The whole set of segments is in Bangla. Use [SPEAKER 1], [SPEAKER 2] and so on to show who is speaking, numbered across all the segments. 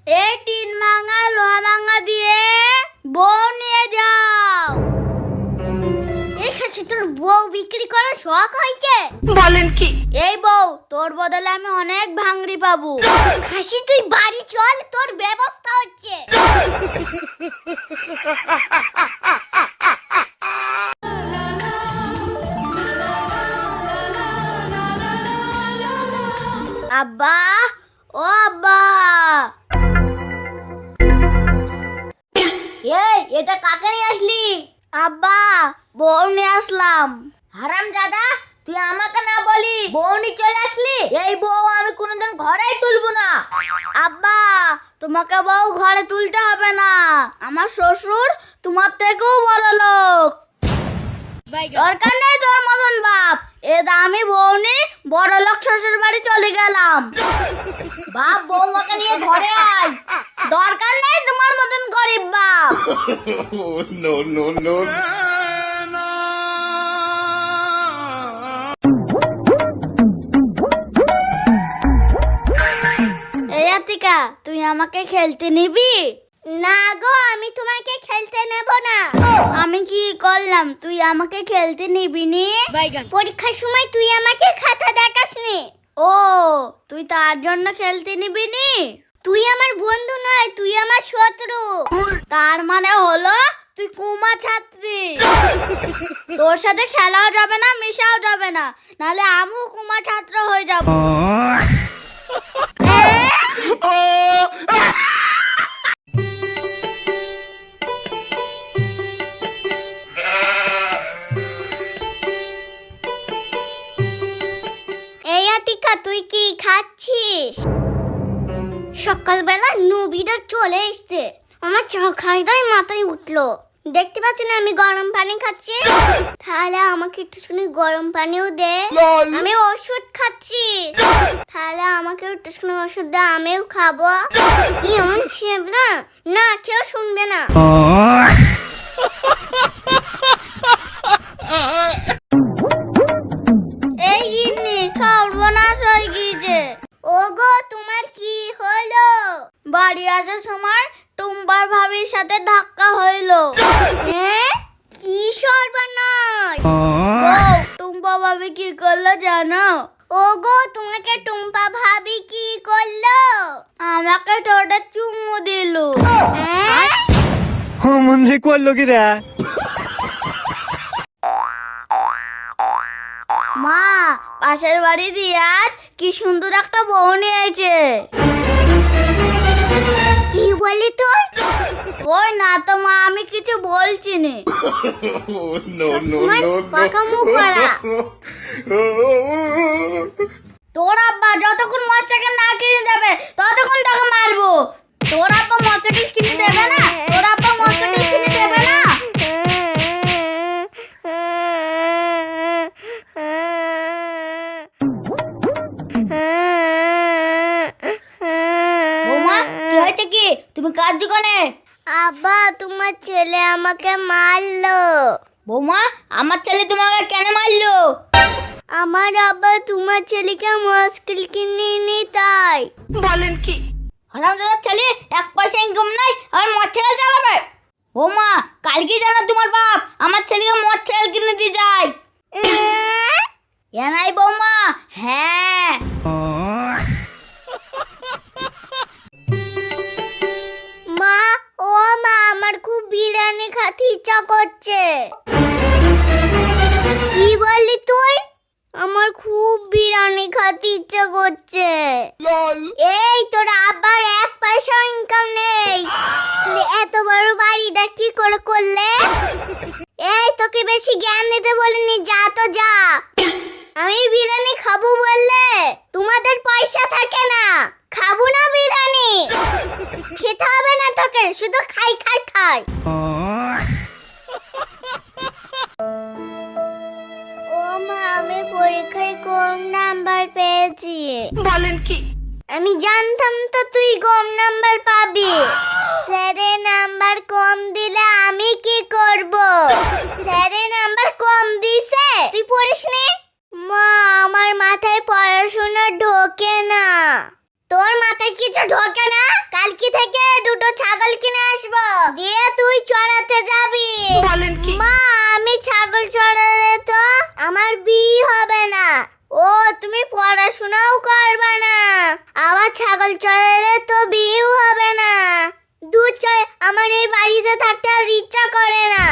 [SPEAKER 1] এই 3 ভাঙা লোহা ভাঙা দিয়ে বউ নিয়ে যাও। এই খাসি তোর বউ বিক্রি করার শখ হয়েছে?
[SPEAKER 2] বলেন কি?
[SPEAKER 1] এই বউ তোর বদলে আমি অনেক ভাঙড়ি পাবো। খাসি তুই বাড়ি চল, তোর ব্যবস্থা হচ্ছে। আব্বা, ও আব্বা। এই এটা কাকে নিয়ে আসলি? আব্বা, বউ নিয়ে আসলাম। হারামজাদা, তুই আমাকে না বলি বউ নিয়ে চলে আসলি? এই বউ আমি কোনোদিন ঘরেই তুলবো না। আব্বা, তোমাকে বউ ঘরে তুলতে হবে না। আমার শ্বশুর তোমার থেকেও বড় লোক। দরকার নেই তোর মতন বাপ। এ দামি বউ নিয়ে বড় লোক শ্বশুর বাড়ি চলে গেলাম। বাপ, বউমাকে নিয়ে ঘরে আয়। দরকার নেই তোমার মতন গরিব বাপ।
[SPEAKER 3] No, no, no.
[SPEAKER 1] এই আতিকা, তুই আমাকে খেলতে নিবি? না গো, আমি তোমাকে খেলতে নেব না। আমি কি করলাম তুই আমাকে খেলতে নিবি নি? পরীক্ষার সময় তুই আমাকে খাতা দেখাসনি। ও, তুই তার জন্য খেলতে নিবি নি? তুই আমার বন্ধু নয়, তুই আমার শত্রু। তার মানে হলো তুই কুমা ছাত্রী। তোর সাথে খেলাও যাবে না, মিশাও যাবে না, নাহলে আমিও কুমা ছাত্র হয়ে যাব। এই আতিকা, তুই কি খাচ্ছিস? সকালবেলা নবীটা চলে এসছে, আমার চোখাইটাই মাথায় উঠলো। দেখতে পাচ্ছি না আমি গরম পানি খাচ্ছি? তাহলে আমাকে একটুখানি গরম পানিও দে। আমি ওষুধ খাচ্ছি, তাহলে আমাকে একটুখানি ওষুধ দে, আমিও খাবো। এমন ছেবলা না, কেউ শুনবে না। এই গিন্নি, সর্বনাশ হয়ে গিয়েছে। ওগো, তোমার কি হলো? বাড়ি আসার সময় টুম্বার ভাবির সাথে ধাক্কা হইলো। কি সর্বনাশ! টুম্পা ভাবি কি করলো জানো? ওগো, তোমাকে টুম্পা ভাবি কি করলো? আমাকে ঠোঁটে চুমু দিল।
[SPEAKER 4] মনে করলো কি রে?
[SPEAKER 1] মা, পাশের বাড়ি রিয়াজ কি সুন্দর একটা বউ নিয়েছে। কি বলি তোর? ওই না তো মা, আমি কিছু বলছি না।
[SPEAKER 3] No, no, no,
[SPEAKER 1] পাকা মুখ করা। তোর আব্বা যতক্ষণ মোটরসাইকেল না কিনে দেবে ততক্ষণ তোকে মারবো। তোর আব্বা মোটরসাইকেল কিনে দেবে না? তোর আব্বা মোটরসাইকেল কিনে দেবে না? বৌমা, কি হয়েছে কি? তুমি কাজ কোনে? আব্বা, তোমার ছেলে আমাকে মারলো। বৌমা, আমার ছেলে তোমাকে কেন মারলো? আমার আব্বা তোমার ছেলেকে মোটরসাইকেল কিনে নি তাই।
[SPEAKER 2] বলেন কি?
[SPEAKER 1] হারামজাদার ছেলে, 1 পয়সা ইনকাম নাই আর মোটরসাইকেল চালাবে। বৌমা, কালকে জানো তোমার বাপ আমার ছেলেকে মোটরসাইকেল কিনে দিয়ে যায়। নাই বৌমা? হ্যাঁ। মা, ও মা, আমার খুব বিরিয়ানি খেতে ইচ্ছা করছে। কি বললি তুই? আমার খুব বিরিয়ানি খেতে ইচ্ছা করছে। এই তোর আব্বার 1 পয়সা ইনকাম নেই, তাহলে এত বড় বাড়িটা কি করে করলে? এই তোকে বেশি জ্ঞান দিতে বলিনি, যা তো যা। আমি বিরিয়ানি খাবো বললে তোমাদের পয়সা থাকে না, খাবো না বিরিয়ানি। খেতে হবে না তোকে, শুধু খাই খাই খাই। ও মা, আমি পরীক্ষায় কম নাম্বার পেয়েছি।
[SPEAKER 2] বলেন কি?
[SPEAKER 1] আমি জানতাম তো তুই কম নাম্বার পাবি। স্যারের নাম্বার কম দিলে আমি কি করব? স্যারের নাম্বার কম দিছে, তুই পড়িসনি? মা, আমার মাথায় পড়াশোনা ঢোকে না। তোর মাথায় কিছু ঢোকে না? কালকে থেকে দুটো ছাগল কিনে আসবো, দিয়ে তুই চড়াতে যাবি।
[SPEAKER 2] বলেন কি?
[SPEAKER 1] মা, আমি ছাগল চড়ালে তো আমার বিয়ে হবে না। ও, তুমি পড়াশোনাও করবে না, আবার ছাগল চড়ালে তো বিয়েও হবে না। দূর চল, আমার এই বাড়িতে থাকতে আর ইচ্ছা করে না।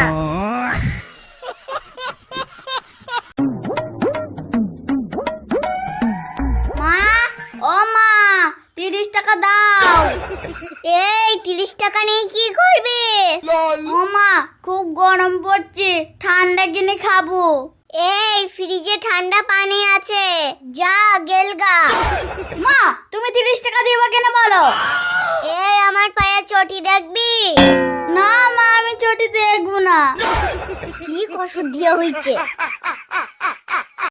[SPEAKER 1] মা, ও মা, 30 টাকা দাও। এই 30 টাকা নিয়ে কি করবি? ও মা, খুব গরম পড়ছে, ঠান্ডা কিনে খাবো। এই ফ্রিজে ঠান্ডা পানি আছে, যা গেলগা। মা, তুমি 30 টাকা দিবা কেন বলো? এই আমার পায়ে চটি দেখবি? না মা, আমি চটি দেখবো না। কি কষ্ট দিয়ে হইছে।